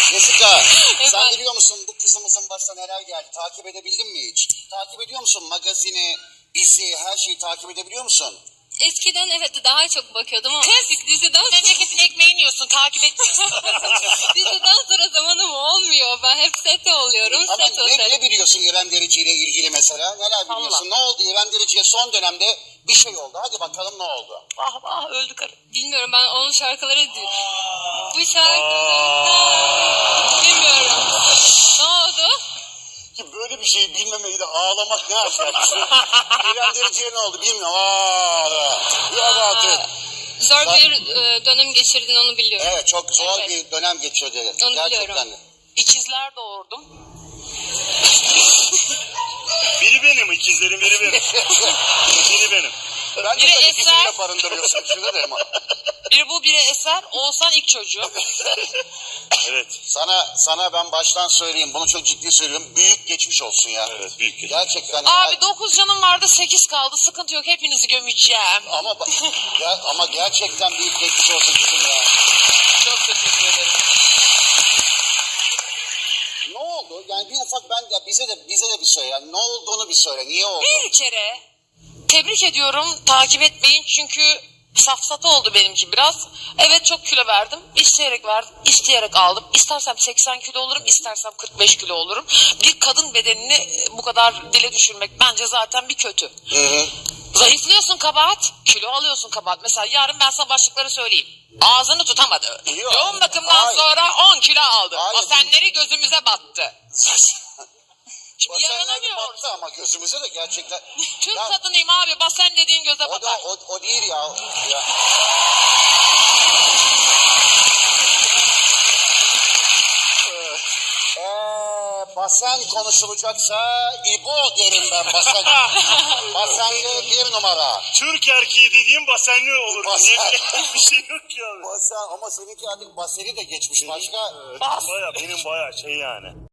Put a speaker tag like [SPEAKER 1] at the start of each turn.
[SPEAKER 1] Jessica, sen biliyor musun bu kızımızın başına neler geldi? Takip edebildin mi hiç? Takip ediyor musun magazini, bizi, her şeyi takip edebiliyor musun?
[SPEAKER 2] Eskiden evet daha çok bakıyordum ama artık
[SPEAKER 3] Memleketin ekmeğini yiyorsun, takip edeceksin.
[SPEAKER 2] diziden sonra zamanım olmuyor. Ben hep sete oluyorum.
[SPEAKER 1] Ama
[SPEAKER 2] Set otelim.
[SPEAKER 1] ne biliyorsun İrem Derici ile ilgili mesela? Neler biliyorsun? Ne oldu İrem Derici'ye son dönemde bir şey oldu. Hadi bakalım ne oldu?
[SPEAKER 3] Vah vah öldü karı.
[SPEAKER 2] Bilmiyorum, ben onun şarkıları değil. Bu şarkıları bilmiyorum. Ne oldu?
[SPEAKER 1] Ki böyle bir şeyi bilmemeyi de ağlamak ne aşağısı. İrem Derici'ye ne oldu bilmiyorum. Yok artık.
[SPEAKER 2] Zor bir dönem geçirdin, onu biliyorum.
[SPEAKER 1] Evet, çok zor
[SPEAKER 2] Evet.
[SPEAKER 1] bir dönem geçirdi.
[SPEAKER 2] Onu
[SPEAKER 1] Gerçekten
[SPEAKER 2] biliyorum.
[SPEAKER 1] de.
[SPEAKER 3] İkizler doğurdum.
[SPEAKER 4] Biri benim, ikizlerin biri benim. Biri benim.
[SPEAKER 1] Ben de
[SPEAKER 3] Biri
[SPEAKER 1] tabii
[SPEAKER 3] Eser.
[SPEAKER 1] ikisini de barındırıyorsun içinde de ama.
[SPEAKER 3] Biri bu, biri Eser. Oğuzhan ilk çocuğu.
[SPEAKER 4] Evet.
[SPEAKER 1] Sana ben baştan söyleyeyim, bunu çok ciddi söylüyorum. Büyük geçmiş olsun ya.
[SPEAKER 4] Evet, büyük geçmiş.
[SPEAKER 1] Gerçekten.
[SPEAKER 3] Abi 9 canım vardı, 8 kaldı. Sıkıntı yok, hepinizi gömeceğim.
[SPEAKER 1] Ama gerçekten büyük geçmiş olsun kızım ya.
[SPEAKER 3] Çok teşekkür ederim.
[SPEAKER 1] Ne oldu? Yani bir ufak bize de bir söyle. Yani ne olduğunu bir söyle. Niye oldu?
[SPEAKER 3] Bir kere tebrik ediyorum, takip etmeyin çünkü safsata oldu benimki biraz. Evet, çok kilo verdim, isteyerek verdim, isteyerek aldım. İstersem 80 kilo olurum, istersem 45 kilo olurum. Bir kadın bedenini bu kadar dile düşürmek bence zaten bir kötü.
[SPEAKER 1] Hı.
[SPEAKER 3] Zayıflıyorsun kabahat, kilo alıyorsun kabahat. Mesela yarın ben sana başlıkları söyleyeyim. Ağzını tutamadı.
[SPEAKER 1] Yok.
[SPEAKER 3] Yoğun bakımdan
[SPEAKER 1] Hayır.
[SPEAKER 3] sonra 10 kilo aldı.
[SPEAKER 1] Hayır.
[SPEAKER 3] Basenleri gözümüze battı. Şimdi
[SPEAKER 1] Basenler
[SPEAKER 3] yaranamıyoruz.
[SPEAKER 1] battı ama gözümüze de gerçekten.
[SPEAKER 3] Türk
[SPEAKER 1] Ya,
[SPEAKER 3] kadınıyım abi, basen dediğin göze
[SPEAKER 1] o da
[SPEAKER 3] batar.
[SPEAKER 1] o değil ya. Basen konuşulacaksa İbo derim ben basen. Basenli bir numara.
[SPEAKER 4] Türk erkeği dediğim basenli olur.
[SPEAKER 1] Basen.
[SPEAKER 4] Bir şey yok ki abi.
[SPEAKER 1] Basen ama seninki artık baseni de geçmiş başka.
[SPEAKER 3] Bas.
[SPEAKER 4] Baya benim baya şey yani.